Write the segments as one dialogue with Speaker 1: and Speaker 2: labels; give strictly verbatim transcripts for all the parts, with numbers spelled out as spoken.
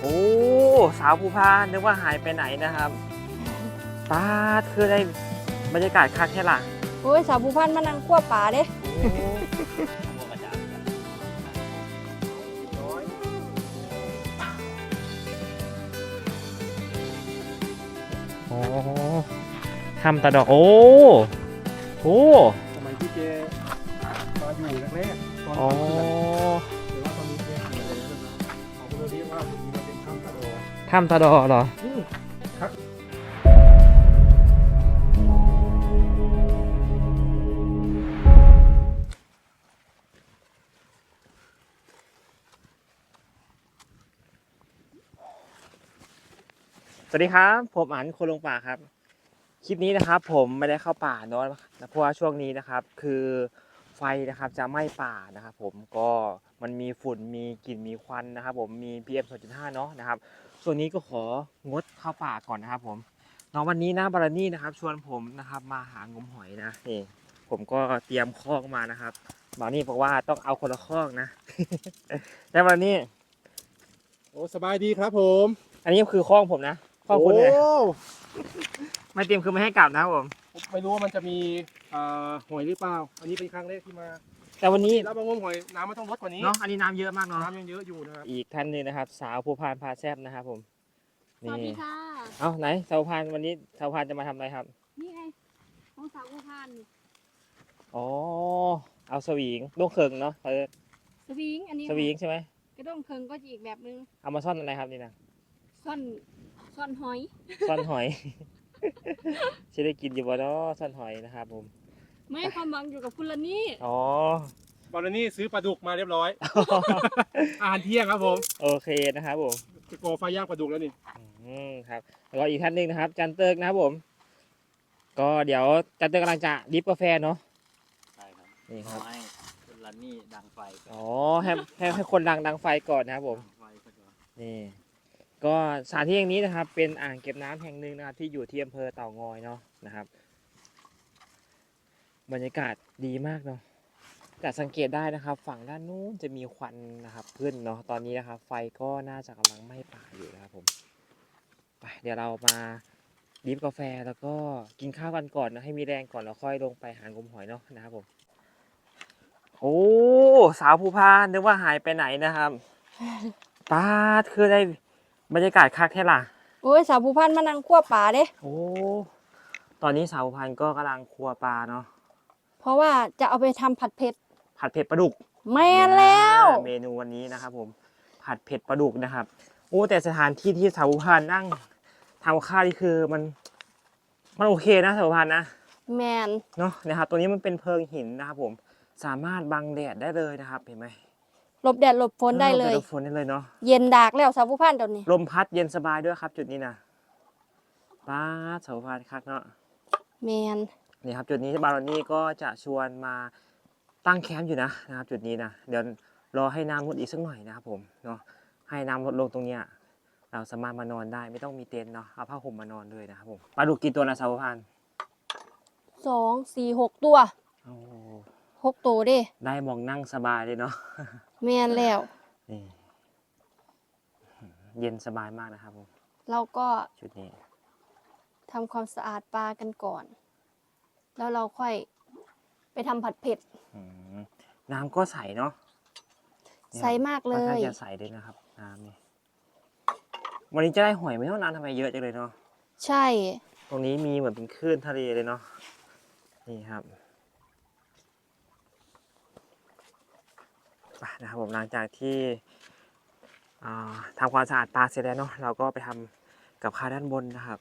Speaker 1: อ้สาวภูพานนึกว่าหายไปไหนนะครับตาคือได้บรรยากาศคักแค่ล่ะ
Speaker 2: โอ้ยสาวภูพานมานั่งคั่วป่าเด้
Speaker 1: โอ้ทำตาดอกโอ้โอ้
Speaker 3: สมัยที่เจมาอยู่แรกๆตอน
Speaker 1: อ๋อ
Speaker 3: แต่ว่าตอนนี้เจเสียไปแล้วนะเขาก็เลยเรียกว่าตรงนี้มันเป็นถ้ำตะโด
Speaker 1: ทำตาดอเหรอ
Speaker 3: ครับ
Speaker 1: สวัสดีครับผมอั๋นคนลงป่าครับคลิปนี้นะครับผมไม่ได้เข้าป่าเนาะเพราะว่าช่วงนี้นะครับคือไฟนะครับจะไหม้ป่านะครับผมก็มันมีฝุ่นมีกลิ่นมีควันนะครับผมมี พี เอ็ม สองจุดห้า เนาะนะครับส่วนนี้ก็ของดเข้าป่าก่อนนะครับผมน้องวันนี้นะบารานี่นะครับชวนผมนะครับมาหางมหอยนะนี่ผมก็เตรียมคอกมานะครับบารานี่บอกว่าต้องเอาคนละคอกนะแต่บารานี่
Speaker 3: โอ้สบายดีครับผม
Speaker 1: อันนี้คือคอกผมนะคอกคุณเลย
Speaker 3: โอ้
Speaker 1: ไม่เตรียมคือไม่ให้กลับนะครับผม
Speaker 3: ไม่รู้ว่ามันจะมีหอยหรือเปล่าอันนี้เป็นครั้งแรกที่มา
Speaker 1: แต่วันนี้
Speaker 3: แล้วบางงมหอยน้ำมันต้องลดกว่านี้
Speaker 1: เนาะอันนี้น้ำเยอะมากเนาะ
Speaker 3: น้ำยังเยอะอยู่นะครับ
Speaker 1: อีกท่านหนึงนะครับ สาวภูพานพาแซบนะครับผม
Speaker 2: สวัสดีค่ะ
Speaker 1: เอ้าไหนสาวภูพานวันนี้สาวภูพานจะมาทำอะไรครับ
Speaker 2: นี่ไงของสาวภูพาน
Speaker 1: อ๋อเอาสวิงลูกเคิงเนาะเออ
Speaker 2: สวิงอันนี้
Speaker 1: สวิงใช่ไหม
Speaker 2: กระด้งเคิงก็จะอีกแบบนึง
Speaker 1: เอามาซ่อนอะไรครับนี่นะ
Speaker 2: ซ่อนซ่อนหอย
Speaker 1: ซ่อนหอย จะได้กินอยู่บ่เนาะซ่อนหอยนะครับผม
Speaker 2: ไม่ความหวังอยู่กับคุณละนี่
Speaker 1: อ๋อบ
Speaker 3: อลนี่ซื้อปลาดุกมาเรียบร้อย อาหารเที่ยงครับผม
Speaker 1: โอเคนะครับผม
Speaker 3: จะโกไฟย่างปลาดุกแล้วนี่
Speaker 1: อืมครับแล้วก็อีกท่านหนึ่งนะครับ จันเติร์กนะครับผม ก็เดี๋ยวจันเติร์กกำลังจะดริฟกาแฟเนาะ
Speaker 4: ใช่ครับ
Speaker 1: นี่ครับ
Speaker 4: ให้คุณลันนี่ดังไฟก่อน
Speaker 1: อ๋อให้ให้ให้คนดังดังไฟก่อนนะครับผม
Speaker 4: ดังไฟก่อน
Speaker 1: นี่ก็สถานที่แห่งนี้นะครับเป็นอ่างเก็บน้ำแห่งหนึ่งนะครับที่อยู่ที่อำเภอเต่างอยเนาะนะครับบรรยากาศดีมากเนาะแต่สังเกตได้นะครับฝั่งด้านนู้นจะมีควันนะครับขึ้นเนาะตอนนี้นะครับไฟก็น่าจะกำลังไหม้ป่าอยู่นะครับผมไปเดี๋ยวเรามาดริฟกาแฟแล้วก็กินข้าวกันก่อนนะให้มีแรงก่อนแล้วค่อยลงไปหางมหอยเนาะนะครับผมโอ้สาวภูพานนึกว่าหายไปไหนนะครับตาคือได้บรรยากาศคักแค่ล่ะ
Speaker 2: โอ้ยสาวภูพานมานั่งคั่วป่าเด้
Speaker 1: โอ้ ตอนนี้สาวพันธุ์ก็กำลังครัวปลาเนาะ
Speaker 2: เพราะว่าจะเอาไปทำผัดเผ็ด
Speaker 1: ผัดเผ็ดปลาดุก
Speaker 2: แม่นแล้ว
Speaker 1: เมนูวันนี้นะครับผม ผัดเผ็ดปลาดุกนะครับ โอ้ แต่สถานที่ที่สาวพันธุ์นั่งทำข้าวนี่คือมัน มันโอเคนะสาวพันธุ์นะ
Speaker 2: แมน
Speaker 1: เนาะนะครับ ตัวนี้มันเป็นเพิงหินนะครับผม สามารถบังแดดได้เลยนะครับ เห็นไหม
Speaker 2: หลบแดดหลบฝนได้เลย
Speaker 1: หลบฝนได้เลยเนาะ
Speaker 2: เย็นดากแล้วสาวภูพานเดี๋ยวนี้
Speaker 1: ลมพัดเย็นสบายด้วยครับ จุดนี้นะป้าดสาวพันธุ์คักเนาะ
Speaker 2: แมน
Speaker 1: นี่ครับจุดนี้บารอนี่ก็จะชวนมาตั้งแคมป์อยู่นะนะครับจุดนี้นะเดี๋ยวรอให้น้ำลดอีกสักหน่อยนะครับผมเนาะให้น้ำลดลงตรงเนี้ยเราสามารถมานอนได้ไม่ต้องมีเต็นท์เนาะเอาผ้าห่มมานอนเลยนะครับผมปลาดุกกี่ตัวนะสาวพันธุ์
Speaker 2: สองสี่หกตัว
Speaker 1: โอ้
Speaker 2: หกตัวเด้
Speaker 1: ได้มองนั่งสบายเลยเนาะ
Speaker 2: แมนแล้ว
Speaker 1: นี่เย็นสบายมากนะครับผม
Speaker 2: เราก็
Speaker 1: ชุดนี้
Speaker 2: ทำความสะอาดปลากันก่อน แล้วเราค่อยไปทำผัดเผ็ด
Speaker 1: อืมน้ำก็ใสเนาะ
Speaker 2: ใสมากเล
Speaker 1: ค่อนข้าง
Speaker 2: ย
Speaker 1: จะใสเลยนะครับน้ำนี่วันนี้จะได้หอยไม่เท่านั้นทำไมเยอะจังเลยเนาะ
Speaker 2: ใช่
Speaker 1: ตรงนี้มีเหมือนเป็นคลื่นทะเลเลยเนาะนี่ครับไปนะครับผมหลังจากที่ทำความสะอาดปลาเสร็จแล้วเนาะเราก็ไปทำกับข้าวด้านบนนะครับ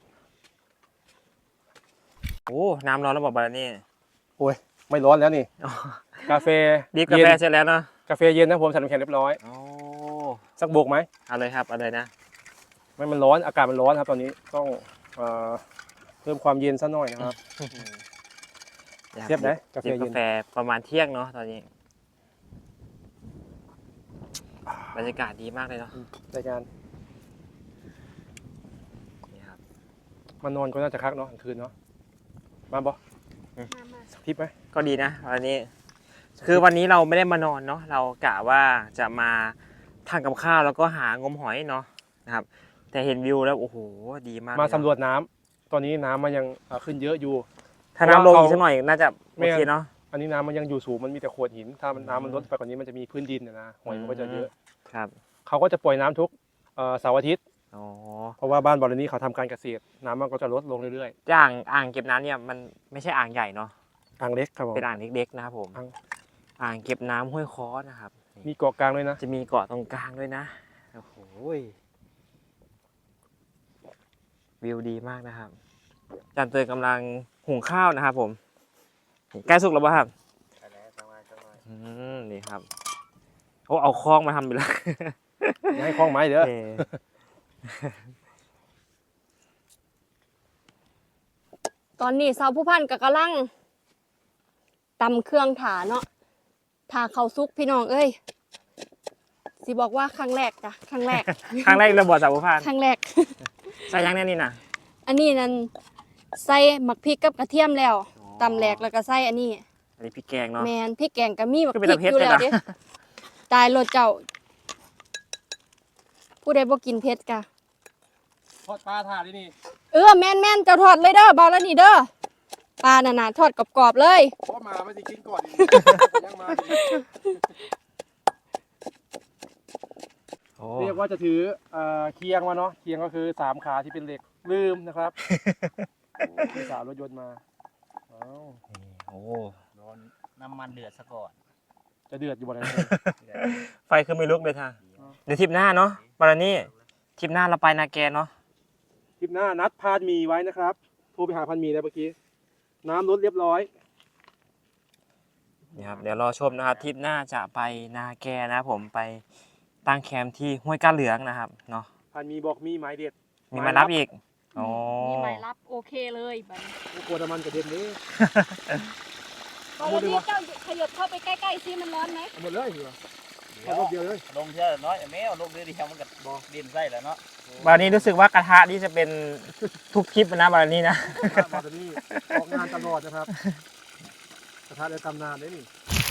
Speaker 1: โอ้น้ำร้อนแล้วบอกบารานี่
Speaker 3: โอ้ยไม่ร้อนแล้วนี่
Speaker 1: อ๋อก
Speaker 3: าแฟ
Speaker 1: ดริฟกาแฟเสร็จแล้วเนาะ
Speaker 3: กาแฟเย็นนะผมใส่น้ำแข็งเรียบร้อย
Speaker 1: โอ้
Speaker 3: สักโบกไหม
Speaker 1: เอาเลยครับเอาเลยนะ
Speaker 3: ไม่มันร้อนอากาศมันร้อนครับตอนนี้ต้องเอ่อเพิ่มความเย็นซะหน่อยนะครับ เทียบนะกาแฟ
Speaker 1: ดริฟ
Speaker 3: เย็
Speaker 1: กาน แฟประมาณเที่ยงเนาะตอนนี้บรรยากาศดีมากเลยเนาะ
Speaker 3: รายการ
Speaker 1: นี่ครับ
Speaker 3: มานอนก็น่าจะคักเนาะกลางคืนเนาะมาบ่สักทริปไหม
Speaker 1: ก็ดีนะวันนี้ คือวันนี้เราไม่ได้มานอนเนาะเรากะว่าจะมาทานกับข้าวแล้วก็หางมหอยเนาะนะครับ แต่เห็นวิวแล้วโอ้โหดีมาก
Speaker 3: มา
Speaker 1: เลยเนอะ
Speaker 3: สำรวจน้ำตอนนี้น้ำมันยังเอ่อขึ้นเยอะอยู่
Speaker 1: ถ้าน้ำลง
Speaker 3: เพราะว่า
Speaker 1: อีกสักหน่อยน่าจะ
Speaker 3: ไม่
Speaker 1: โอเคเนาะ
Speaker 3: อันนี้น้ำมันยังอยู่สูงมันมีแต่โขดหิน ถ้ามัน
Speaker 1: อืม
Speaker 3: น้ำมันลดไปกว่านี้มันจะมีพื้นดินนะนะหอยมันก็จะเยอะ
Speaker 1: ครับ
Speaker 3: เขาก็จะปล่อยน้ำทุกเอ่อเสาร์อาทิตย์
Speaker 1: อ๋อ
Speaker 3: เพราะว่าบ้านบอลนี้เขาทำการเกษตร น้ำมันก็จะลดลงเรื่อย
Speaker 1: อ่างอ่างเก็บน้ำเนี่ยมันไม่ใช่อ่างใหญ่เนาะ
Speaker 3: ๆอ่างเล็กครับผม
Speaker 1: เป็นอ่างเล็กๆนะครับผม
Speaker 3: อ่าง
Speaker 1: อ่างเก็บน้ำห้วยค้อนะครับ
Speaker 3: มีเกาะกลางด้วยนะ
Speaker 1: จะมีเกาะตรงกลางด้วยนะโอ้โหวิวดีมากนะครับอาจารย์เตยกำลังหุงข้าวนะครับผมใกล้สุกแล้วป่ะครับ
Speaker 4: ใช่แล้วประมาณประมาณ
Speaker 1: อืมนี่ครับโอ้เอาคล้องมาทำไปแล้ว
Speaker 3: อย่าให้คล้องไม้เด้อ
Speaker 1: เออ
Speaker 2: ตอนนี้สาวผู้พันก็กำลังตำเครื่องถาเนาะถาข้าวซุกพี่น้องเอ้ยสิบอกว่าครั้งแรกจ้ะครั้งแรก
Speaker 1: ครั้งแรกระบอดสาวผู้พาน
Speaker 2: ครั้งแรก
Speaker 1: ใส่ยังแน่นี่นะ
Speaker 2: อันนี้นั่นใส่หมักพริกกับกระเทียมแล้ว
Speaker 1: อ๋อ
Speaker 2: ตำแหลกแล้วก็ใส่อันนี้
Speaker 1: อันนี้พริกแกงเนาะ
Speaker 2: แมนพริกแกงก็มีหมัก
Speaker 1: ก็
Speaker 2: พ
Speaker 1: เป็น
Speaker 2: ริก
Speaker 1: ตะเพ็ด
Speaker 2: อยู่แล้ว
Speaker 1: เลยนะ
Speaker 2: เด้ตายรถเจ้า ผู้ใดบ่กินเผ็ดกะ
Speaker 3: ทอดปลาถาดนี่
Speaker 2: เออแม่นแม่นเจ้าทอดเลยเด้อเบาแล้วนี่เด้อปลาน่ะนะทอดกรอบๆเลย
Speaker 3: เพราะมาไม่ได้กินก่อนยังมา
Speaker 1: โอ้
Speaker 3: เรียกว่าจะถือเอ่อเคียงมาเนาะเคียงก็คือสามขาที่เป็นเหล็กลืมนะครับมีสาวรถยนต์มาอ้าว
Speaker 1: นี่โอ้
Speaker 4: ร้อนน้ำมันเดือดซะก่อน
Speaker 3: จะเดือดอยู่บ่ไหน
Speaker 1: ไฟคือไม่ลุกเลยท่าเดี๋ยวทริปหน้าเนาะบารานี่ทริปหน้าเราไปนาแกเนาะ
Speaker 3: คลิปหน้านัดพานหมีไว้นะครับโทรไปหาพันหมีแล้วเมื่อกี้น้ำลดเรียบร้อย
Speaker 1: นี่ครับเดี๋ยวรอชมนะครับทริปหน้าจะไปนาแกนะครับผมไปตั้งแคมป์ที่ห้วยก้าเหลืองนะครับเนาะ
Speaker 3: พันหมีบอกมีไม้เด็ด
Speaker 1: มีมารับอีกโอ้
Speaker 2: มีหมายรับโอเคเลยบัดนี้
Speaker 3: โอ้โหน้ำมันกระเด็นเลย
Speaker 2: ตอนนี้เจ้าขยับเข้าไปใกล้ๆซิมันร้อนไหม
Speaker 3: เอาหมดเลยเหรอ
Speaker 4: เดี๋ยว
Speaker 3: เอารถเดียวเลย
Speaker 4: ลงเท่าน้อยแม่เอาลงเรือเดียวมันก็บอกดินไส้แล้วเนาะ
Speaker 1: บารานี่รู้สึกว่ากระทะนี่จะเป็นทุกคลิปนะบารานี่นะ
Speaker 3: มาตอนนี้ออกงานตลอดนะครับกระทะในตำนานได้นี่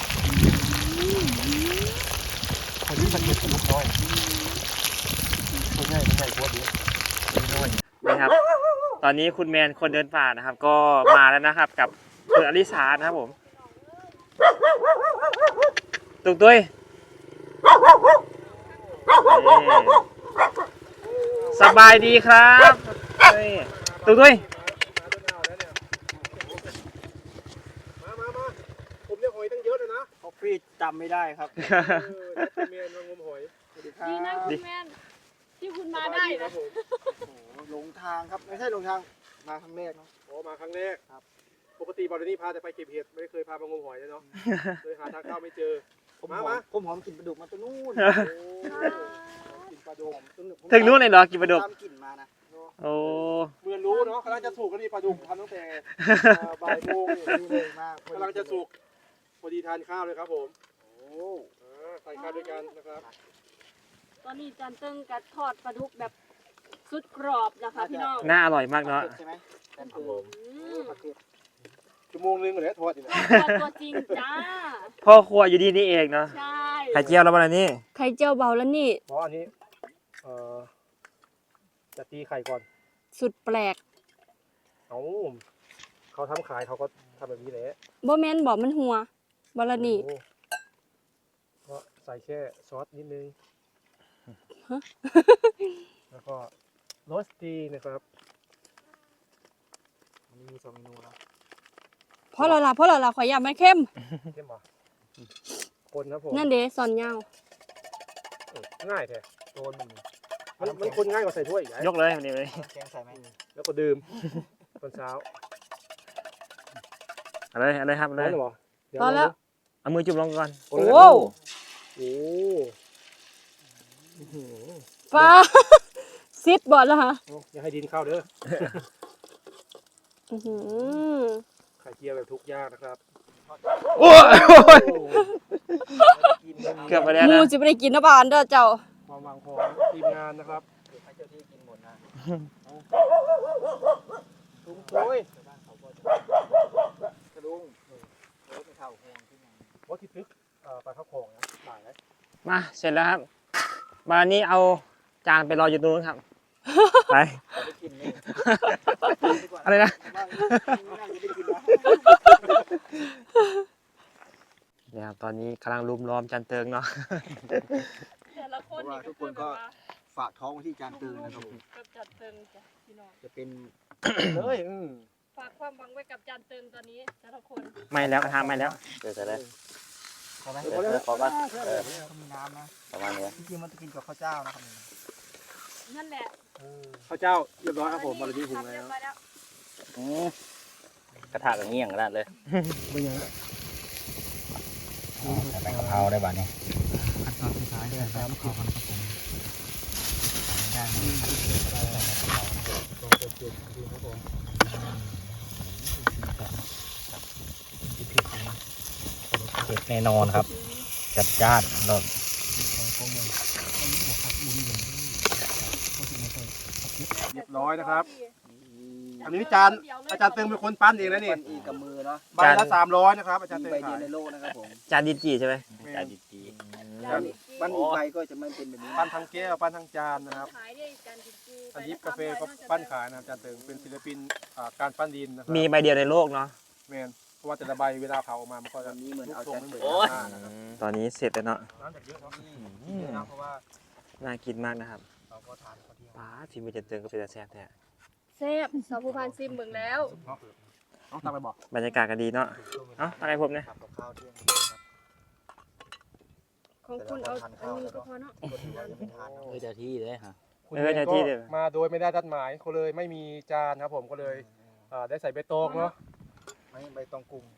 Speaker 3: คนนี้มันเก็บลูกน้อยคนง่ายคนใหญ่กว่าเดียว
Speaker 1: นะครับ ตอนนี้คุณแมนคนเดินป่านะครับ ก็มาแล้วนะครับ กับคุณอลิสานะครับผมตุกตุ้ยนี่สบายดีครับนี่ตุกตุ้ย
Speaker 3: มามามาผมเรียกหอยตั้งเยอะเลยนะ
Speaker 4: เขาพี่จำไม่ได้ครับ
Speaker 3: เออนัดเป็นเมียนมางมหอยสวัสดีครับ
Speaker 2: ดีนะคุณแม่นที่คุณมาได้
Speaker 3: ครั
Speaker 2: นะ
Speaker 3: บผม
Speaker 5: หลงทางครับไม่ใช่หลงทางมาครั้งแรกเนาะ
Speaker 3: โอ้มาครั้งแรกครับ ปกติบอลนี่พาแต่ไปเก็บเห็ดไม่ได้เคยพามางมหอยเลยเนาะ เลยหาทางเข้าไม่เจอ
Speaker 5: ผม
Speaker 3: มา
Speaker 5: หอ
Speaker 3: มา
Speaker 5: มผมหอมกลิ่นปลาดุกมาตัวนู้น
Speaker 3: โอ้กินปลาดุก
Speaker 1: ถึงนู้นเลยเหรอกินปลาดุก
Speaker 5: ตามกลิ่นมานะ
Speaker 1: โอ้
Speaker 3: เมื่อรู้เนาะกำลังจะสุกก็นี่ปลาดุกทำตั้งแต่เอ่อบ่ายโมงนี่
Speaker 5: ดูเลยมาก
Speaker 3: กำลังจะสุกพอดีทานข้าวเลยครับผม
Speaker 5: โอ้
Speaker 3: อ่าทานข้าวด้วยกันนะครับ
Speaker 2: ตอนนี้จันเติ้งกัดทอดปลาดุกแบบสุดกรอบนะคะพี่น้อง
Speaker 1: น่าอร่อยมากเนาะ
Speaker 5: ผัดเผ็ดใช่ไหมนั่นคือ
Speaker 2: อืม
Speaker 5: ผัดเผ็ด
Speaker 3: ชั่วโมงนึงเลยทอดอยู่นะ
Speaker 2: ทอดตัวจริงจ้า
Speaker 1: พ่อครัวอยู่ดีนี่เองเนาะ
Speaker 2: ใช่
Speaker 1: ไข่เจียวแล้วบารานี่
Speaker 2: ไข่เจียวเบาแล้วนี่
Speaker 3: เพราะอันนี้เอ่อจะตีไข่ก่อน
Speaker 2: สุดแปลก
Speaker 3: เอาเขาทำขายเขาก็ทำแบบนี้แหละ
Speaker 2: บ่แม่นบอกมันหัวบาลานี่
Speaker 3: โอ้ก็ใส่แค่ซอสนิดนึง แล้วก็โรสตีนะครับ
Speaker 5: มันมีสองเมนูแล้ว
Speaker 2: เพราะเราล่ะเพราะเราล่ะขอยอยากมันเข้ม
Speaker 3: เข้มป่ะคนครับผม
Speaker 2: นั่นเด้สอนยาว
Speaker 3: เออง่ายแท้
Speaker 5: โดนมัน
Speaker 3: มันมันคนง่ายกว่าใส่ถ้วยอีกไง
Speaker 1: ยกเลยวันนี้เลย
Speaker 5: แกงใส่ไหม
Speaker 3: แล้วก็ดื่ม ตอนเช้า
Speaker 1: เอาเลยเอาเลยครับเอา
Speaker 3: ร้
Speaker 1: เล
Speaker 3: อน
Speaker 1: ย
Speaker 3: หรือเปล่าเดี๋ยว
Speaker 2: ตอนแล้ว
Speaker 1: เอามือจุ่มลงก่อน
Speaker 3: โอ้
Speaker 2: โอ้
Speaker 3: โห
Speaker 2: ฟ้า ซิดบอดแล้วค่ะ
Speaker 3: อย่าให้ดินเข้าเด้อ
Speaker 2: อื้อหือ
Speaker 3: ไข่เจียวแบบทุกอย่างนะครับ
Speaker 1: โอ้ย
Speaker 5: กิน
Speaker 1: เกือบไปแล้ว
Speaker 2: หมู
Speaker 1: นะ
Speaker 2: จะไม่ได้กินนะบ้านเด้อเจ้า
Speaker 3: ความหวังของทีมงานนะครับ
Speaker 5: ให้เจ้าที่กินหมดนะลุงโอ้ยกระดุงโอ้ยไม่เข้าแพงที่ไหน
Speaker 3: ว่าที่ตึกเอ่อปลาข้าวโขงนะหลายไหม
Speaker 1: มาเสร็จแล้วครับมานี้เอาจานไปรออยู่ตรงนู้นครับ ไป
Speaker 5: ไปกินนี่
Speaker 1: อะไรนะ
Speaker 5: ไม่น่าจะได้กินนะ
Speaker 1: เนี่ยครับตอนนี้กำลังรุมล้อมจันเติงเนาะ
Speaker 2: แต่ละค
Speaker 5: เพ
Speaker 2: น
Speaker 5: ราะว่าทุกคนก็ฝากท้องไว้ที่จานเตือนนะครับผม
Speaker 2: กับจันเติงจ้ะพี่น้อง
Speaker 5: จะเป็น
Speaker 3: เลยอืม
Speaker 2: ฝากความหวังไว้กับจันเติงตอนนี้แต่ละคน
Speaker 1: ไม่แล้วกระทะไม่แล้ว
Speaker 4: เดี๋ยวจะได้
Speaker 5: ใช่ไหม
Speaker 4: เดี๋ยวขอก่อนเออ
Speaker 5: เขามีน้ำนะ
Speaker 4: ประมาณนี้
Speaker 5: จริงๆมันจะกินกับข้าวเจ้านะครับ
Speaker 2: นั่นแหละ
Speaker 3: ข้าวเจ้าเรียบร้อยครับผมบาร์บีคิว
Speaker 2: ทำ
Speaker 3: แล้
Speaker 2: เรียว บร้อยแล้ว
Speaker 4: อืมกระทะกับเงี้ยงกระดาษเลย
Speaker 3: ไม่ยัง
Speaker 4: ใส่กะเพราได้บ้านี้
Speaker 5: ขั้นตอนสุดท้ายเนี่ยครับขอกันครับผมได้ไหมตรงเจ็ดๆดูครับผม
Speaker 4: เผ็ดแน่นอนครับ จัดจ้านโดน
Speaker 3: เรียบร้อยนะครับ อันนี้จานอาจารย์เติงเป็นคนปั้นเองนะนี่
Speaker 5: ปั้นอีกกับมือเนาะ
Speaker 3: ใบละสามร้อยนะครับอาจารย์
Speaker 5: มี
Speaker 3: เติง
Speaker 5: ใบเดี
Speaker 3: ขา
Speaker 5: ยวย ในโลกนะครับผม
Speaker 1: จานดินจีใช่ไหม
Speaker 4: จานดี
Speaker 5: ปั้นปั้นอีกใบก็จะไม่เป็นแบบนี้
Speaker 3: ปั้นทั้งแก้วปั้นทั้งจานนะครับ
Speaker 2: ขายได้จันดิบจี
Speaker 3: อันนี้กาแฟก็ปั้นขายนะครับอาจารย์เติงเป็นศิลปินอ่าการปั้นดินนะครับ
Speaker 1: มีใบเดียวในโลกเนาะ
Speaker 3: แมนเพราะว่าแต่ละใบเวลาเผาออกมามันก็จะ
Speaker 5: วันนี้เหมือนเอา
Speaker 3: ทรง
Speaker 5: ใจ
Speaker 3: ไม่เหมือน
Speaker 5: โอ้ย
Speaker 3: กันนะครับ
Speaker 1: ตอนนี้เสร็จแล้วเนาะ
Speaker 3: น้ำจากเยอะเนาะเยอะนะเพราะว่า
Speaker 1: น่ากินมากนะครับ
Speaker 5: เราก็ทานข้าวเที่ยง
Speaker 1: ป้าทีมจันเติงก็เป็นตาแซ่บแท้
Speaker 2: แซ่บสาวผู้พันซิมเบิ่งแล้ว
Speaker 3: ต้องตามไปบอก
Speaker 1: บรรยากาศก็ดีเนาะเอ้าอะไรผมเนี่ย
Speaker 5: ทำกับข้าวเที่ยงครับ
Speaker 2: ของคุณเอาอันนึงก็พอเนาะ
Speaker 5: คนที่ว่ายังไม่ทาน
Speaker 4: ๆเออเจ้าที่เลยฮะ
Speaker 3: คุณเองก็มาโดยไม่ได้นัดหมายเขาเลยไม่มีจานครับผมก็เลยอ่าได้ใส่ใบตองเนาะ
Speaker 5: ไม่ใบตองกุ้ง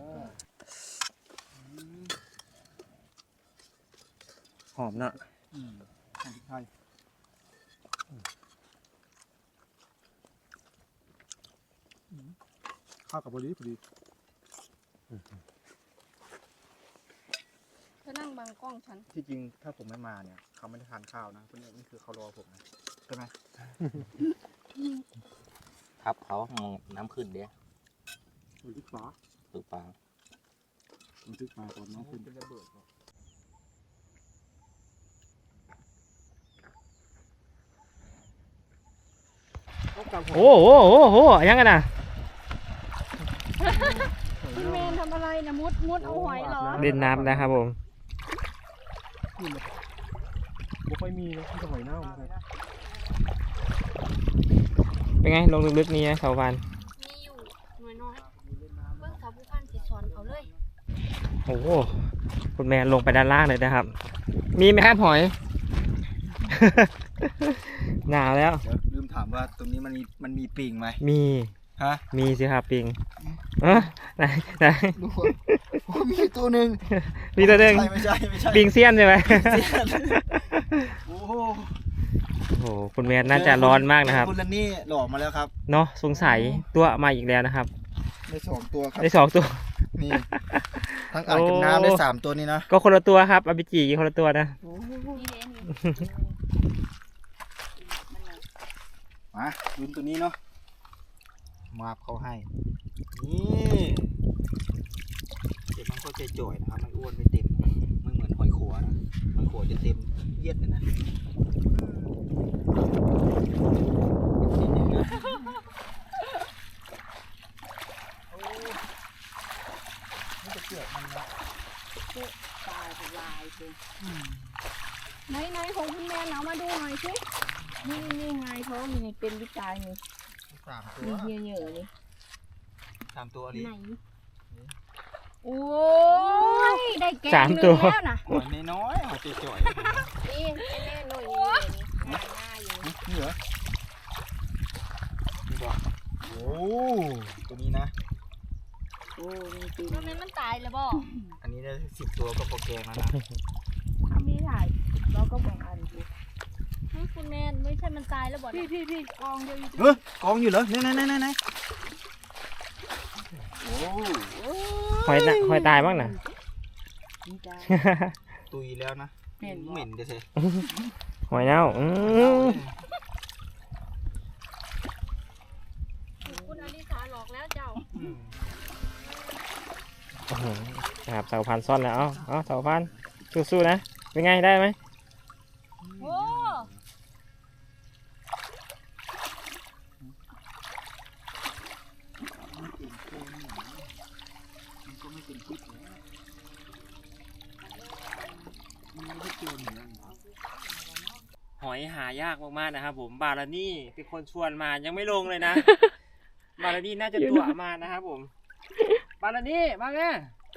Speaker 1: หอมเนาะ
Speaker 5: อืมทานพริกไทย
Speaker 3: ข้าวกับบอดี้พอดี
Speaker 2: เธอนั่งบังกล้องฉัน
Speaker 5: ที่จริงถ้าผมไม่มาเนี่ยเขาไม่ได้ทานข้าวนะเพราะเนี่ยนี่คือเขารอผมนะใช่ไหม
Speaker 4: ครับเขามองน้ำขึ้นเดี๋ยว
Speaker 3: มันทึกฟ้า
Speaker 4: ถูกปลา
Speaker 3: มันทึกมาตอนน้องขึ้น
Speaker 5: เป็นระเบิด
Speaker 1: โอ้โหโอ้โหยังไงนะ
Speaker 2: คุณเมนทำอะไรนะมุดมุดเอาหอยเหรอ
Speaker 1: เล่นน้ำนะครับผม
Speaker 3: ไม่ค่อยมีนะที่สมัยเน่านะครับ
Speaker 1: เป็นไงลงลึกๆนี่นะสาวพัน
Speaker 2: มีอยู่หน่อยน้อยเบิ่งสาวผู้พันสิสอนเอาเลย
Speaker 1: โอ้โหคุณแม่ลงไปด้านล่างเลยนะครับ มีไหมครับหอย หนาวแล้ว
Speaker 5: เดี๋ยวลืมถามว่าตรงนี้มันมีมันมีปิงไหม
Speaker 1: มี
Speaker 5: ฮะ
Speaker 1: มีสิครับปิงเออไหนไหน
Speaker 5: ดูว่ามีตัวหนึ่ง
Speaker 1: มีตัวหนึ่ง
Speaker 5: ไม่ใช่ไม่ใช่
Speaker 1: ปิงเซียนใช่ไหม
Speaker 5: โอ้โห
Speaker 1: โอ้โหคุณแม่น่าจะร้อนมากนะครับ
Speaker 5: คุณลันนี่หลอกมาแล้วครับ
Speaker 1: เนาะสงสัยตัวมาอีกแล้วนะครับ
Speaker 5: ได้สองตัวครับ
Speaker 1: ได้สองตัว
Speaker 5: นี่ทั้งอ่างกับน้ำได้สามตัวนี้นะ
Speaker 1: ก็คนละตัวครับอาบิจิคนละตัวนะ
Speaker 5: มาลุ้นตัวนี้เนาะมาบเขาให้นี่เดี๋ยวมันก็จะจ่อยนะครับมันอ้วนไม่เต็มไม่เหมือนหอยขัวนะหอยขัวจะเต็มเยียดเลยนะนิดนึงนะ นี่จะเกี่ยวมันนะ
Speaker 2: ตายเป็นลายเลยไหนไหนของคุณแมนเอามาดูหน่อยสินี่นี่ไงท้องนี่เป็นวิจัยนี่
Speaker 5: สามตัว
Speaker 2: มีเหี้ยเยอะนี่
Speaker 5: สามตัวนี้
Speaker 2: ไหนโอ้ยได้แกง
Speaker 1: สาม
Speaker 2: หนึ่ง
Speaker 1: ตัว
Speaker 2: แล้วนะ
Speaker 5: หอยน้อยๆหอยจ่อย
Speaker 2: นี่ไอ้แม่หน่อยนี่หน้าหน้าอยู่
Speaker 5: ๆนี่เหรอนี่บอกโอ้ตัวนี้นะ
Speaker 2: โอ้ยจริงมันมันตายเลยบ่
Speaker 5: อันนี้ได้สิบตัวก็โปรแกรมแล้วนะ
Speaker 2: ทำไม่ได้เราก็แบ่งอันดูให้คุณแมนไม่ใช่มันตายแล้วบ่พี่พี่พี่กองเดียวอยู่
Speaker 5: เฮ้ยกองอยู่เหรอไหนไหนไหนไหนโอ้
Speaker 1: หอยน่ะหอยตายบ้างนะ
Speaker 5: ตุยแล้วนะเหม็นเดี๋ยวเถอะ
Speaker 1: หอยเน่าอืม
Speaker 2: คุณอลิสาหลอกแล้วเจ้า
Speaker 5: อืม
Speaker 1: โอ้โหนะครับสาวพันซ่อนแล้ว เอาเอาสาวพันสู้ๆนะ เป็นไงได้ไหม
Speaker 2: โอ้
Speaker 5: ก็ไม่เป็นพิษนะมันไม่ได้เกี่ยวเหมือนกันครับ
Speaker 1: หอยหายากมากๆนะครับผมบารานี่เป็นคนชวนมายังไม่ลงเลยนะ บารานี่น่าจะตัวมานะครับผมบารานี่มาไง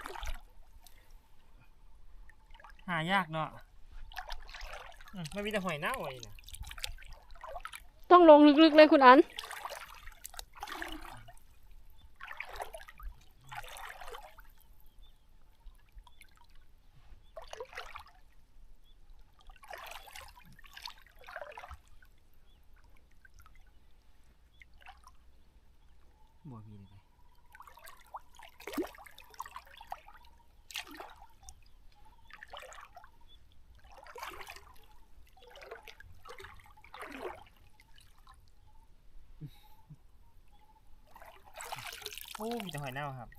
Speaker 1: หายากเนาะอืมมันมีแต่หอยเน่าไอ้นะ
Speaker 2: ต้องลงลึกๆเลยคุณอัน
Speaker 1: บ่มีเลยโอ้มีแต่หอยเน่าครับ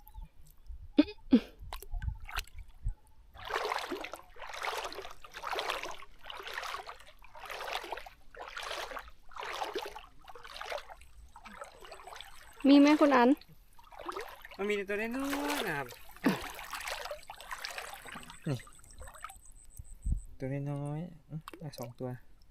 Speaker 2: มีไหมคุณอัน
Speaker 1: มันมีแต่ตัวน้อยๆนะครับ นี่ ตัวน้อยๆอื้อได้สองตัว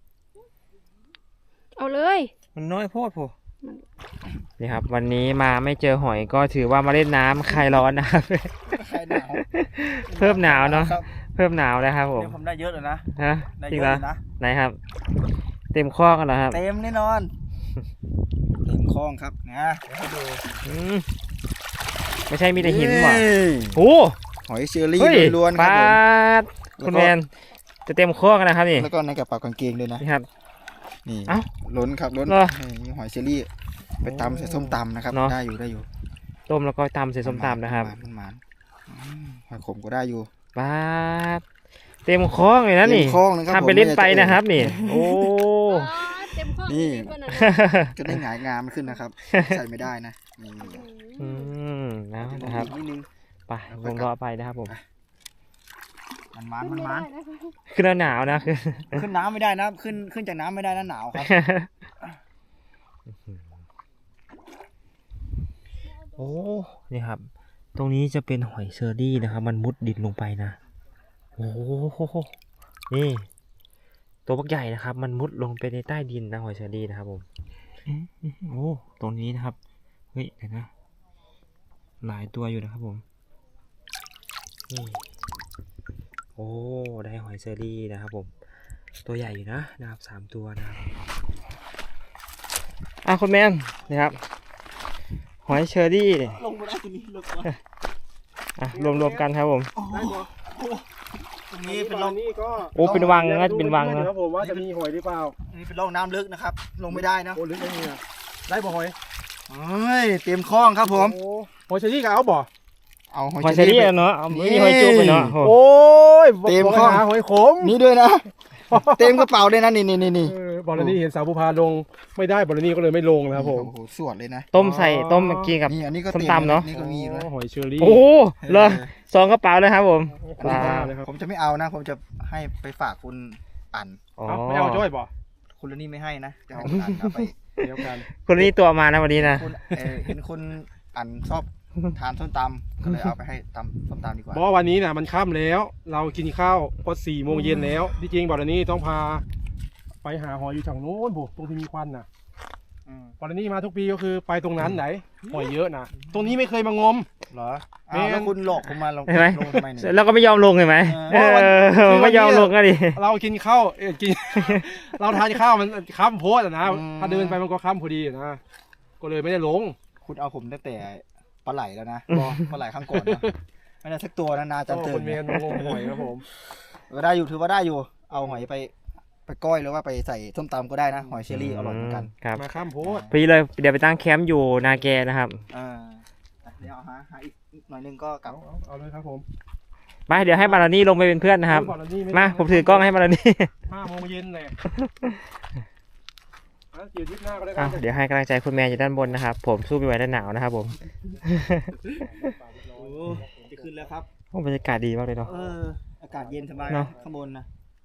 Speaker 2: เอาเลย
Speaker 1: มันน้อยโพดโผนี่ครับ วันนี้มาไม่เจอหอยก็ถือว่ามาเล่นน้ำคลายร้อนนะครับ
Speaker 5: ใครหนาว
Speaker 1: เพิ่มหนาวเนาะ
Speaker 5: ครับ
Speaker 1: เพิ่มหนาวแล้วครับผม
Speaker 5: เดี๋ยวผมได้เยอะเลยนะ
Speaker 1: ฮะ
Speaker 5: ได้
Speaker 1: จริ
Speaker 5: เย
Speaker 1: ง
Speaker 5: อะ
Speaker 1: เหรอ
Speaker 5: เลยนะ
Speaker 1: ไหนครับ เต็มข้อกันเหรอครับ
Speaker 5: เต็มแน่นอน เต็มคลองครับนะเดี๋ยวให้ดู
Speaker 1: อืมไม่ใช่มีแต่หินหว่ะ
Speaker 5: เฮ้ย
Speaker 1: โอ้
Speaker 5: หอยเชอรี่
Speaker 1: เฮ้ย
Speaker 5: ล้วนๆค
Speaker 1: ป
Speaker 5: รับ
Speaker 1: ลา
Speaker 5: ผม
Speaker 1: คุณแมนจะเต็มข้อกันนะครับนี่
Speaker 5: แล้วก็ในกระเป๋ากางเกงด้วยนะ
Speaker 1: นี่ครับ
Speaker 5: นี่
Speaker 1: เอ้า
Speaker 5: ล้นครับล้น
Speaker 1: เหรอ
Speaker 5: นี่มีหอยเชอรี่ ไปตำใส่ส้มตำนะครับ
Speaker 1: เนอะ
Speaker 5: ได้อยู่ได้อยู่
Speaker 1: ต้มแล้วก็ตำใส่ส้มตำนะครับ
Speaker 5: มันมันๆอืมหอยขมก็ได้อยู่
Speaker 1: ปลาเต็มข้อเลยนะนี่
Speaker 5: เต็มคลองนะครับ
Speaker 1: ทำไปเล่นไปนะครับนี่ โอ้
Speaker 2: เต็มข้อ
Speaker 5: นี่
Speaker 2: ดีกว่านั้น
Speaker 5: จะได้หงายงามขึ้นนะครับ ใส่ไม่ได้นะนี่
Speaker 1: อืมนะนะครับ
Speaker 5: นิดนึง
Speaker 1: ไปลงรอไปนะครับผม
Speaker 5: มันมันมันมัน
Speaker 1: คือหนาวนะคือ
Speaker 5: ขึ้นน้ำไม่ได้นะขึ้นขึ้นจากน้ำไม่ได้นะหนาวครับ
Speaker 1: โอ้ นี่ครับ ตรงนี้จะเป็นหอยเชอรี่นะครับ มันมุดดินลงไปนะ โอ้โหนี่ ตัวบักใหญ่นะครับ มันมุดลงไปในใต้ดินนะหอยเชอรี่นะครับผมโอ้ ตรงนี้นะครับ เฮ้ยเดี๋ยวนะ หลายตัวอยู่นะครับผม นี่ โอ้ ได้หอยเชอรี่นะครับผม ตัวใหญ่อยู่นะนะครับสามตัวนะครับอ่ะคุณแมนนะครับ หอยเชอรี่เนี่ย
Speaker 5: ลงมาได้ตรงนี้ลงมา
Speaker 1: อ่ะรวมๆกันครับผม
Speaker 3: ได้บ่
Speaker 5: ตรงนี้เป็นร่อง
Speaker 3: นี่ก็
Speaker 1: โอ้เป็นวังนะเป็นวัง
Speaker 3: นะ
Speaker 1: นะ
Speaker 3: ครับผมว่าจะมีหอยหรือเปล่า
Speaker 5: นี่เป็นร่องน้ำลึกนะครับ ลงไม่ได้นะ
Speaker 3: โอ้ลึกไม่มีอะได้บ่หอย
Speaker 5: เฮ้ยเต็มคลองครับผม
Speaker 3: โอ้หอยเชอรี่กับเอาบ่
Speaker 5: เอาหอย
Speaker 1: หอย
Speaker 5: เช
Speaker 1: เช
Speaker 5: อ
Speaker 1: อรี่
Speaker 5: รี่ไป
Speaker 1: อะเนาะเอาไม่มี
Speaker 5: นี่
Speaker 1: หอยจุ๊บเลยเนาะโอ้
Speaker 3: โอ้ย
Speaker 5: เต็ม
Speaker 3: บอก
Speaker 5: คลอง
Speaker 3: หาหอยขม
Speaker 5: นี่ด้วยนะ เต็มกระเป๋าเลยนะนี่นี่นี่นี่
Speaker 3: เออบอลนี่เห็นสาวภูพาลงไม่ได้บอลนี่ก็เลยไม่ลงนะครับผม
Speaker 5: โอ้โหสวดเลยนะ
Speaker 1: ต้มใส่ต้มเมื่อกี้กับ
Speaker 5: นี่อันนี้ก็
Speaker 1: ส้ม
Speaker 5: ต็
Speaker 1: ตำเนอะ
Speaker 5: นี่ก็มีด้วย
Speaker 3: หอยเชอรี่
Speaker 1: โอ้เหรอสองกระเป๋าเลยครับผม
Speaker 5: อันนี้
Speaker 1: ว้าว
Speaker 3: เลยครับ
Speaker 5: ผมจะไม่เอานะ ผมจะให้ไปฝากคุณอัน
Speaker 1: อ๋อ
Speaker 3: เอาไม่เอาจ้อยบ่
Speaker 5: คุณละนี่ไม่ให้นะจะเอาคุณอันเอาไป
Speaker 3: เดียวกัน
Speaker 1: คนนี้ตัวมานะวันนี้นะ
Speaker 5: คุณเออเห็นคุณอันชอบทานส้มตำก็เลยเอาไปให้ตำส้มตำดีกว่า
Speaker 3: เพราะวันนี้นะมันค่ำแล้ว เรากินข้าวพอสี่โมงเย็นแล้วที่จริงบอลนี่ต้องพา ไปหาหอยอยู่ทางโน้นบุตรงที่มีควันน่ะ
Speaker 5: อืม
Speaker 3: บอลนี่มาทุกปีก็คือไปตรงนั้นไหนหอยเยอะนะตรงนี้ไม่เคยมางม
Speaker 5: เหรออ้าวแล้วคุณหลอกผมมาลง
Speaker 1: เห็นไหม
Speaker 5: ลงทำไมเนี่ย
Speaker 1: แล้วก็ไม่ยอมลงเห็นไหม
Speaker 5: เอ
Speaker 1: เอ
Speaker 5: อ
Speaker 1: อไม่ยอมลงก็ดิ
Speaker 3: เรากินข้าวเอ้ยกิน เราทานข้าวมันค่ำโพดอะนะถ้าเดินไปมันก็ค่ำพอดีอะนะก็เลยไม่ได้ลง
Speaker 5: คุณเอาผมตั้งแต่ปลาไหลแล้วนะปลาไหลข้างก่อนนะไม่ได้สักตัวนะนาจัน
Speaker 3: ก็
Speaker 5: เติ
Speaker 3: ค
Speaker 5: ม
Speaker 3: นเมนมางมหอยครับผม
Speaker 5: ก็ได้อยู่ถือว่าได้อยู่ เอาหอยไปไปก้อยหรือว่าไปใส่ส้มตำก็ได้นะหอยเชอรี่อร่อยเหมือนกัน
Speaker 1: ครับ
Speaker 3: มาค่ำโพด
Speaker 1: พี่เลยเดี๋ยวไปตั้งแคมป์อยู่นาแกนะครับ
Speaker 5: อ่าเดี๋ยวเอาหาหาอีกหน่อยนึงก็กลับ
Speaker 3: เอาเอาเอาเลยครับผม
Speaker 1: ไปเดี๋ยวให้บารานี่ลงไปเป็นเพื่อนนะครับ
Speaker 3: บอลนี่ไ
Speaker 1: มาผมถือกล้องให้บารานี่
Speaker 3: ห้าโมงเย็นเลยอ่ะเดี๋ยวทริปหน้าก็ได้ค
Speaker 1: อ่ะ
Speaker 3: รับ
Speaker 1: เดี๋ยวให้กำลังใจคุณแมนอยู่ด้านบนนะครับ ผมสู้ไม่ไหวด้านหนาวนะครับผม
Speaker 5: โอ้จะขึ้นแล้วครับ
Speaker 1: โอ้บรรยากาศดีมากเลยเนาะ
Speaker 5: เอออากาศเย็นสบาย
Speaker 1: เน
Speaker 5: นะ
Speaker 1: อะ
Speaker 5: ข้างบนนะ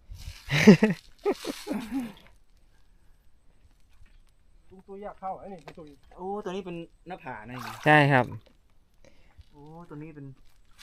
Speaker 3: ตัวตัวอยากเข้าไอ้นี่ตัว
Speaker 5: โอ้ตัวนี้เป็นหน้าผานะนี่
Speaker 1: ใช่ครับ
Speaker 5: โอ้ตัวนี้เป็น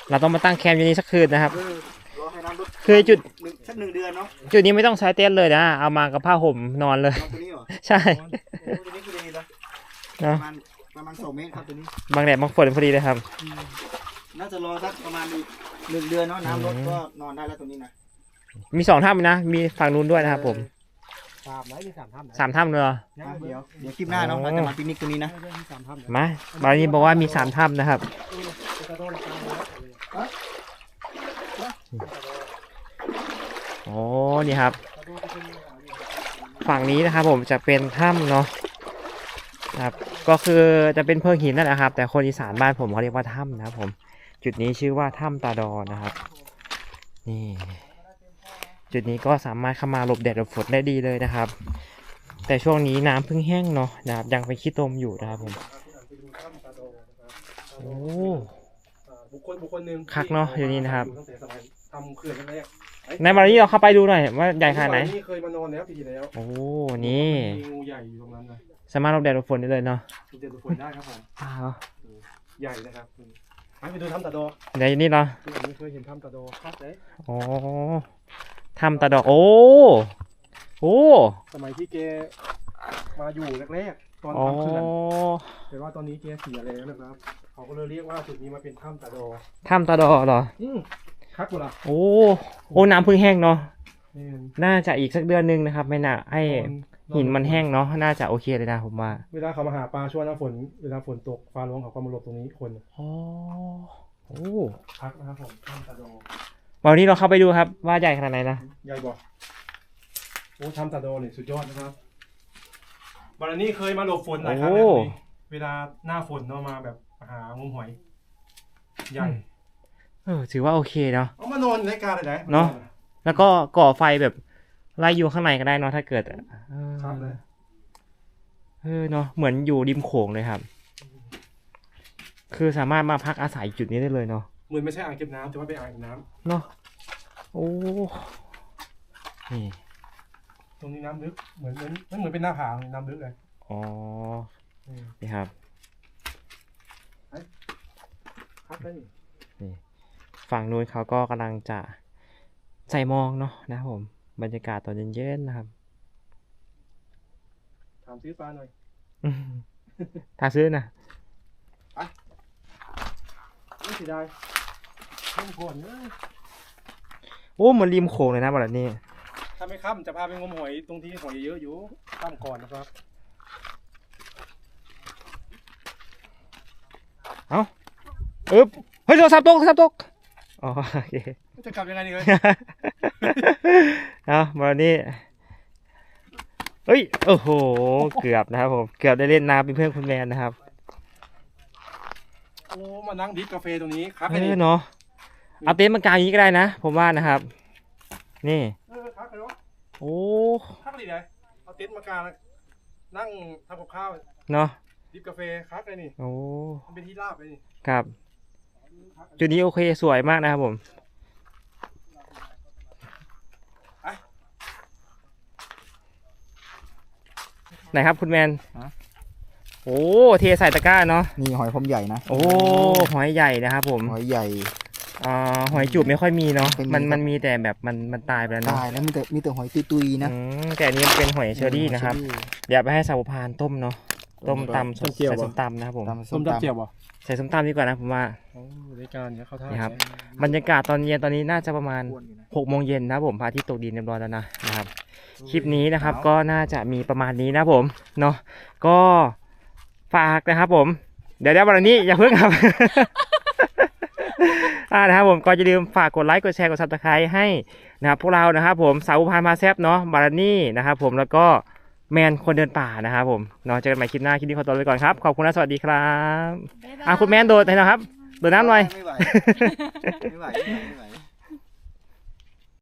Speaker 1: เราต้องมาตั้งแคมป์อยู่นี่สักคืนนะครับ
Speaker 5: เออรอให้น้ำลด
Speaker 1: คือจุด
Speaker 5: หนึ่งสักหนึ่งเดือนเนาะ
Speaker 1: จุดนี้ไม่ต้องใช้เต็นท์เลยนะเอามากับผ้าห่มนอนเลย
Speaker 5: นอนตัวนี้เหรอ
Speaker 1: ใช่
Speaker 5: โอ้ตัวนี้คือดีนะป
Speaker 1: เนาะ
Speaker 5: ระมาณประมาณสองเมตรครับตัวนี้
Speaker 1: บางแดดบางฝนพอดีเลยครับ
Speaker 5: น่าจะรอสักประมาณอีกหนึ่งเดือนเนาะน้ำลด
Speaker 1: อืม
Speaker 5: ก็นอนได้แล้วตัวนี้นะ
Speaker 1: มีสองถ้ำนะมีฝั่งนู้นด้วยนะครับผม
Speaker 3: สามไหนมีสามถ้ำไหน
Speaker 1: สามถ้ำเลยเหรอ
Speaker 5: อ่ะเดี๋ยวเดี๋ยวคลิปหน้าเนาะ
Speaker 1: โอ้
Speaker 5: เราจะมาปิกนิกตัวนี้นะ
Speaker 3: มีสามถ้ำไหน
Speaker 1: มาบางนี้บอกว่ามีสามถ้ำนะครับ
Speaker 3: กระโดดลงไปเลย
Speaker 1: โอ้นี่ครับ ฝั่งนี้นะครับผมจะเป็นถ้ำเนาะครับก็คือจะเป็นเพิงหินนั่นแหละครับ แต่คนอีสานบ้านผมเขาเรียกว่าถ้ำนะครับผม จุดนี้ชื่อว่าถ้ำตาดอนะครับ นี่ จุดนี้ก็สามารถเข้ามาหลบแดดหลบฝนได้ดีเลยนะครับ แต่ช่วงนี้น้ำเพิ่งแห้งเนาะนะครับยังเป็นขี้ตมอยู่นะครับผมโอ้
Speaker 3: บุคคลบุคคลหนึ่ง
Speaker 1: คักเนอะอยู่นี่นะครับ
Speaker 3: ตั้งแต่สมัยทำเขื่อนแรก
Speaker 1: ในวันนี้เราเข้าไปดูหน่อยว่าใหญ่ขนาดไหน
Speaker 3: นี่เคยมานอนแล้วปีที่แล้ว
Speaker 1: โอ้นี่
Speaker 3: มีงูใหญ่อยู่ตรงนั้นนะ
Speaker 1: สามารถหลบแดดหลบฝนได้เลยเนาะ
Speaker 3: ดูเด่นฝนได้ครับผม
Speaker 1: อ้าว
Speaker 3: ใหญ่นะครับไปไปดูถ้ำตาโด
Speaker 1: ในนี่เนาะ
Speaker 3: ที่ผมไม่เคยเห็นถ้ำตาโดครับเลย
Speaker 1: โอ้ถ้ำตาดอกโอ้โอ้
Speaker 3: สมัยที่แกมาอยู่แรกๆตอน
Speaker 1: อ๋อ
Speaker 3: ทำเขื่อนแต่ว่าตอนนี้แกเสียแล้วนะครับเขาก็เลยเรียกว่าจุดนี้มาเป็นถ้ำตาโด
Speaker 1: ถ้ำตาดอเหรอ
Speaker 3: อืมคักกว่าล่ะ
Speaker 1: โอ้โอ้น้ำเพิ่งแห้งเนาะ
Speaker 3: นี่
Speaker 1: น่าจะอีกสักเดือนหนึงนะครับ ไม่น่าให้
Speaker 3: นอน
Speaker 1: หินมันแห้งเนาะน่าจะโอเคเลยนะผมว่า
Speaker 3: เวลาเขามาหาปลาช่วงหน้าฝนเวลาฝนตกฟ้าร้องเขาก็มาหลบตรงนี้คน
Speaker 1: อ๋อโอ้
Speaker 3: พักนะครับผมถ้ำตาโด
Speaker 1: วันนี้เราเข้าไปดูครับว่าใหญ่ขนาดไหนนะ
Speaker 3: ใหญ่บอกโอ้ถ้ำตาโดนี่สุดยอดนะครับบารนี้เคยมาหลบฝนหลายครั้งแล้วนี่เวลาหน้าฝนเนาะมาแบบหางมหอย ใหญ่
Speaker 1: เออถือว่าโอเคเนาะ
Speaker 3: เอามานอนในการเลยไหน
Speaker 1: เนาะ แล้วก็ก่อไฟแบบไล่อยู่ข้างในก็ได้เนาะถ้าเกิดเออ
Speaker 3: ครับเลย
Speaker 1: เออเนาะเหมือนอยู่ริมโขงเลยครับ คือสามารถมาพักอาศัยจุดนี้ได้เลยเนาะ
Speaker 3: เหมือนไม่ใช่อ่างเก็บน้ำแต่ว่าเป็นอ่างเก็บน้
Speaker 1: เนาะโอ้นี่
Speaker 3: ำตรงนี้น้ำลึกเหมือนเหมือนมันเหมือนเป็นหน้าผาน้ำลึกเลย
Speaker 1: อ๋อ
Speaker 3: อืม
Speaker 1: นี่ครับ
Speaker 3: ครับได้นี่
Speaker 1: ฝั่งนู้นเขาก็กำลังจะใส่หมองเนาะนะครับผมบรรยากาศตอนเย็นๆนะครับ
Speaker 3: ถามซื้อปลาหน่อย
Speaker 1: อืมถ้าซื้อนะ
Speaker 3: ไม่เสียดายเล่นก่อนเนอะ
Speaker 1: โอ้เหมือนริมโขงเลยนะแบบนี้
Speaker 3: ถ้าไม่ค่ำจะพาไปงมหอยตรงที่หอยเยอะอยู่ค่ำก่อนนะครับ
Speaker 1: อึ๊บเฮ้ยโทรศัพท์ตกโทรศัพท์ตกอ๋อโอเค
Speaker 3: จะกลับยังไงดีเลย
Speaker 1: เอาวันนี้เฮ้ยโอ้โหเกือบนะครับผมเกือบได้เล่นน้ำเป็นเพื่อนคุณแมนนะครับ
Speaker 3: โอ้มานั่งดริฟกาแฟตรงนี้ครับ
Speaker 1: เอ
Speaker 3: ไอ้นี่
Speaker 1: อเนาะเอาเต็นท์มากางอย่างนี้ก็ได้นะ ผมว่านะครับ นี่
Speaker 3: เออครับเลยวะ
Speaker 1: โอ้
Speaker 3: ครับดีเลยเอาเต็นท์มากางนั่งทำกับข้าว
Speaker 1: เนาะ
Speaker 3: ดริฟกาแฟครับไอ้นี่
Speaker 1: โอ้
Speaker 3: มันเป็นที่ราบไอ้นี่
Speaker 1: ครับจุดนี้โอเคสวยมากนะครับผมไหนครับคุณแมนโอ้เทใส่ตะกร้าเนาะ
Speaker 5: นี่หอยพรมใหญ่นะ
Speaker 1: โอ้หอยใหญ่นะครับผม
Speaker 5: หอยใหญ่
Speaker 1: อ่าหอยจูบไม่ค่อยมีเนาะ
Speaker 5: เป็น
Speaker 1: มัน
Speaker 5: ครับ
Speaker 1: มันมีแต่แบบมันมันตายไปแล้วเนาะ
Speaker 5: ตายแล้วมีแต่มีแต่หอยตุยๆนะ
Speaker 1: อืมแต่อันนี้เป็นหอยเชอรี่นะครับ เดี๋ยวไปให้สาวพานต้มเนาะต้มตำใส่ส้มตำนะครับผม
Speaker 5: ตำ
Speaker 3: ส้มตำเจียวบ่
Speaker 1: ใส่ส้มตำดีกว่านะผมว่า
Speaker 3: โอ้รายการเนี้ยเข้าท่า
Speaker 1: นี่ครับ บรรยากาศตอนเย็นตอนนี้น่าจะประมาณ
Speaker 5: อ้วนอยู่นะ
Speaker 1: หกโมงเย็นนะครับผมพระอาทิตย์ตกดินเรียบร้อยแล้วนะนะครับ คลิปนี้นะครับก็น่าจะมีประมาณนี้นะผมเนาะก็ฝากนะครับผม เดี๋ยวเดี๋ยววันนี้อย่าเพิ่งครับ อ่านะครับผมก็อย่าลืมฝากกดไลค์กดแชร์กดซับสไครต์ให้นะครับพวกเรานะครับผมสาวพานมาแซบเนาะบารนี่นะครับผมแล้วก็แมนคนเดินป่านะครับผมเนาะเจอกันใหม่คลิปหน้าคลิปนี้ขอตัวไปก่อนครับขอบคุณและสวัสดีครับ
Speaker 2: บ๊ายบาย
Speaker 1: อ่ะคุณแมนโดดให้หนะครับโดดน้ำหน่อย
Speaker 5: ไม่ไหวไม่ไหวไม่ไหวไม่ไหว